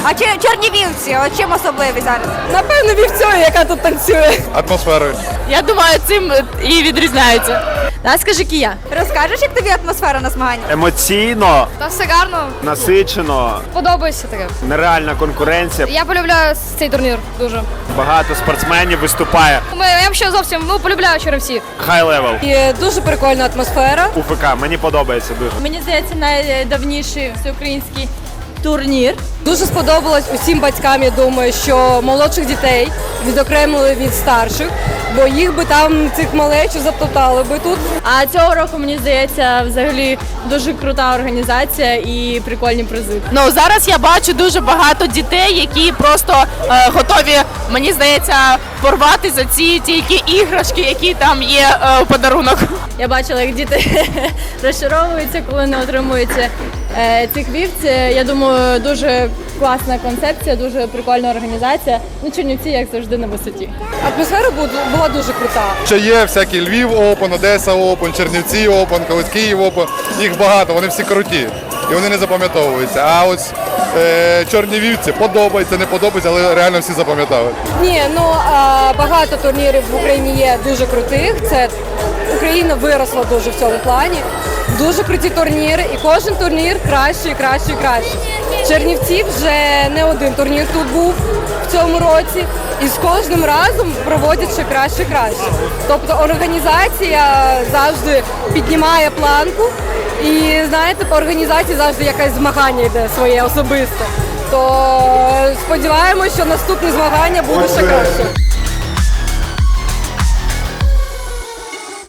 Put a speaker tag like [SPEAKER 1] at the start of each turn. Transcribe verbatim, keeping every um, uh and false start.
[SPEAKER 1] А чи чернівівці, от чим особливі зараз?
[SPEAKER 2] Напевно, вівцею, яка тут танцює.
[SPEAKER 3] Атмосферою.
[SPEAKER 4] Я думаю, цим і відрізняється.
[SPEAKER 2] Да, скажи, Кія.
[SPEAKER 1] Розкажеш, як тобі атмосфера на змаганнях?
[SPEAKER 5] Емоційно,
[SPEAKER 6] Та все гарно,
[SPEAKER 5] насичено,
[SPEAKER 6] подобається таке.
[SPEAKER 5] нереальна конкуренція.
[SPEAKER 6] Я полюбляю цей турнір дуже.
[SPEAKER 5] Багато спортсменів виступає.
[SPEAKER 6] Ми, я ще зовсім ну, полюбляю черевців.
[SPEAKER 5] Хай левел.
[SPEAKER 2] І дуже прикольна атмосфера.
[SPEAKER 5] УФК, мені подобається дуже.
[SPEAKER 4] Мені здається, найдавніший всеукраїнський турнір.
[SPEAKER 2] Дуже сподобалось усім батькам, я думаю, що молодших дітей відокремили від старших, бо їх би там цих малечів затоптали би тут.
[SPEAKER 4] А цього року, мені здається, взагалі дуже крута організація і прикольні призи. Ну, зараз я бачу дуже багато дітей, які просто е, готові, мені здається, порвати за ці тільки іграшки, які там є е, у подарунок. Я бачила, як діти розчаровуються, коли не отримують е, цих вівці. Я думаю, дуже класна концепція, дуже прикольна організація. Ну, Чернівці, як завжди, на висоті.
[SPEAKER 2] Атмосфера була дуже крута.
[SPEAKER 3] Ще є всякі Львів Опен, Одеса Опен, Чернівці Опен, колись Київ Опен. Їх багато, вони всі круті. І вони не запам'ятовуються. А ось е, чорні вівці подобається, не подобається, але реально всі запам'ятали.
[SPEAKER 2] Ні, ну а, багато турнірів в Україні є дуже крутих. Це Україна виросла дуже в цьому плані. Дуже круті турніри, і кожен турнір краще, і краще, і краще. Чернівці вже не один турнір тут був в цьому році, і з кожним разом проводять ще краще і краще. Тобто організація завжди піднімає планку, і знаєте, по організації завжди якесь змагання йде своє особисте. То сподіваємось, що наступне змагання буде ще краще.